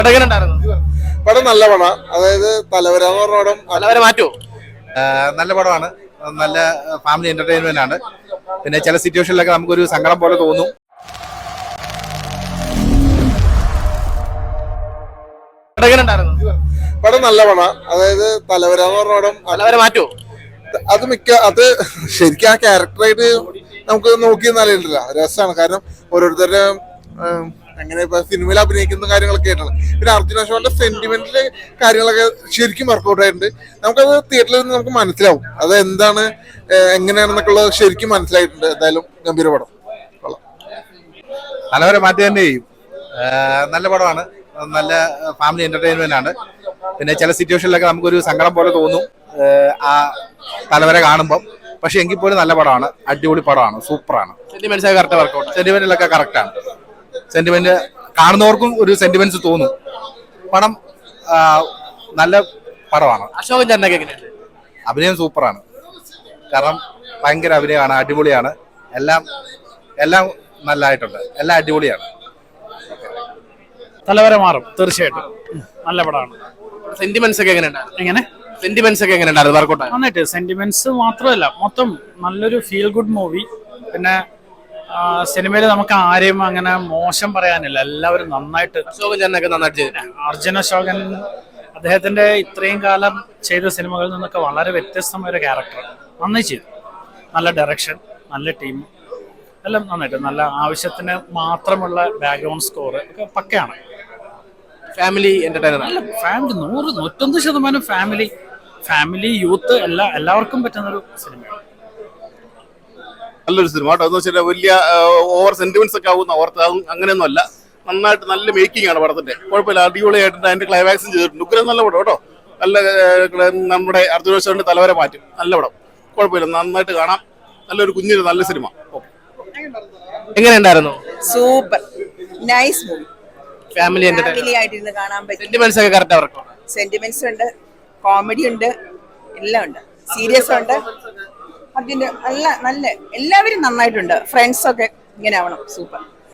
പടം നല്ല പടം, അതായത് തലവര എന്ന് പറഞ്ഞ പടം. തലവര മാറ്റുമോ? നല്ല പടമാണ്, നല്ല ഫാമിലി എന്റർടൈൻമെന്റ് ആണ്. പിന്നെ ചില സിറ്റുവേഷനിലൊക്കെ നമുക്കൊരു സങ്കടം പോലെ തോന്നും. പടം നല്ല പടം, അതായത് തലവര എന്ന് പറഞ്ഞ പടം. തലവര മാറ്റുമോ? അത് ശരിക്കും ആ ക്യാരക്ടറായിട്ട് നമുക്ക് നോക്കി നല്ലതില്ല, രസമാണ്. കാരണം ഓരോരുത്തരുടെ അങ്ങനെ ഇപ്പൊ സിനിമയിൽ അഭിനയിക്കുന്ന കാര്യങ്ങളൊക്കെ ആയിട്ടാണ്. പിന്നെ അർജുൻ അശോകന്റെ സെന്റിമെന്റില് കാര്യങ്ങളൊക്കെ ശരിക്കും വർക്ക്ഔട്ട് ആയിട്ടുണ്ട്. നമുക്കത് തിയേറ്ററിൽ നിന്ന് നമുക്ക് മനസ്സിലാവും അത് എന്താണ് എങ്ങനെയാണെന്നൊക്കെ ഉള്ളത് ശരിക്കും മനസ്സിലായിട്ടുണ്ട്. എന്തായാലും ഗംഭീര പടം. തലവര മാറ്റി തന്നെ ചെയ്യും. നല്ല പടമാണ്, നല്ല ഫാമിലി എന്റർടൈൻമെന്റ് ആണ്. പിന്നെ ചില സിറ്റുവേഷനിലൊക്കെ നമുക്കൊരു സങ്കടം പോലെ തോന്നും ആ തലവര കാണുമ്പോൾ. പക്ഷെ എങ്കിൽ പോലും നല്ല പടമാണ്, അടിപൊളി പടമാണ്, സൂപ്പറാണ്. സെന്റിമെന്റിലൊക്കെ കറക്റ്റാണ്. സെന്റിമെന്റ് കാണുന്നവർക്കും ഒരു സെന്റിമെന്റ്സ് തോന്നും. പടം നല്ല പടമാണ്. അശോകൻ ചേട്ടനൊക്കെ എങ്ങനെയുണ്ട്? അഭിനയം സൂപ്പറാണ്, കാരണം ഭയങ്കര അഭിനയമാണ്, അടിപൊളിയാണ്. എല്ലാം എല്ലാം നല്ലതായിട്ടുണ്ട്, എല്ലാം അടിപൊളിയാണ്. തലവര മാറും തീർച്ചയായിട്ടും. നല്ല പടമാണ്. സെന്റിമെന്റ്സ് ഒക്കെ എങ്ങനെയുണ്ട്? എങ്ങനെ സെന്റിമെന്റ്സ് ഒക്കെ എങ്ങനെയുണ്ടായിരുന്നു? വർക്കൗട്ട് നന്നായിട്ട്. സെന്റിമെന്റ്സ് മാത്രമല്ല, മൊത്തം നല്ലൊരു ഫീൽ ഗുഡ് മൂവി. പിന്നെ സിനിമയിൽ നമുക്ക് ആരെയും അങ്ങനെ മോശം പറയാനില്ല, എല്ലാവരും നന്നായിട്ട്. അശോകൻ ചേട്ടനൊക്കെ നന്നായിട്ട് ചെയ്തു. അർജുൻ അശോകൻ അദ്ദേഹത്തിന്റെ ഇത്രയും കാലം ചെയ്ത സിനിമകളിൽ നിന്നൊക്കെ വളരെ വ്യത്യസ്തമായ ഒരു ക്യാരക്ടർ നന്നായി ചെയ്തു. നല്ല ഡയറക്ഷൻ, നല്ല ടീം, എല്ലാം നന്നായിട്ട്. നല്ല ആവശ്യത്തിന് മാത്രമുള്ള ബാക്ക്ഗ്രൗണ്ട് സ്കോർ ഒക്കെ പക്കയാണ്. Family entertainer. നല്ല ഫാമിലി 100-101% ഫാമിലി യൂത്ത് എല്ലാവർക്കും പറ്റുന്നൊരു സിനിമയാണ്. നല്ലൊരു സിനിമ കേട്ടോ. എന്ന് വെച്ചാൽ വലിയ ഓവർ സെന്റിമെന്റ്സ് ഒക്കെ ആവുന്ന ഓർത്ത് അങ്ങനെയൊന്നും അല്ല. നന്നായിട്ട് നല്ല മേക്കിംഗ് ആണ് പടത്തിന്റെ. കുഴപ്പമില്ല, അടിപൊളിയായിട്ടുണ്ട്. അതിന്റെ ക്ലൈമാക്സും ചെയ്തിട്ടുണ്ട്. ഉഗ്രം നല്ല പടം കേട്ടോ. നല്ല നമ്മുടെ അർജുൻ അശോകന്റെ തലവര മാറ്റും. നല്ല പടം, കുഴപ്പമില്ല, നന്നായിട്ട് കാണാം. നല്ലൊരു കുഞ്ഞിന് നല്ല സിനിമ. എങ്ങനെയുണ്ടായിരുന്നു? Super nice movie. Family family ആയിട്ടിരുന്ന് കാണാൻ പറ്റും. സെന്റിമെന്റ്സ് ഒക്കെ കറക്റ്റ് അവർക്ക്. സെന്റിമെന്റ്സ് ഉണ്ട്, കോമഡി ഉണ്ട്, എല്ലാം ഉണ്ട്. സീരിയസ് ഉണ്ട്. അതിന്റെ നല്ല എല്ലാവരും നന്നായിട്ടുണ്ട്. ഫ്രണ്ട്സ് ഒക്കെ ഇങ്ങനെ ആവണം. സൂപ്പർ.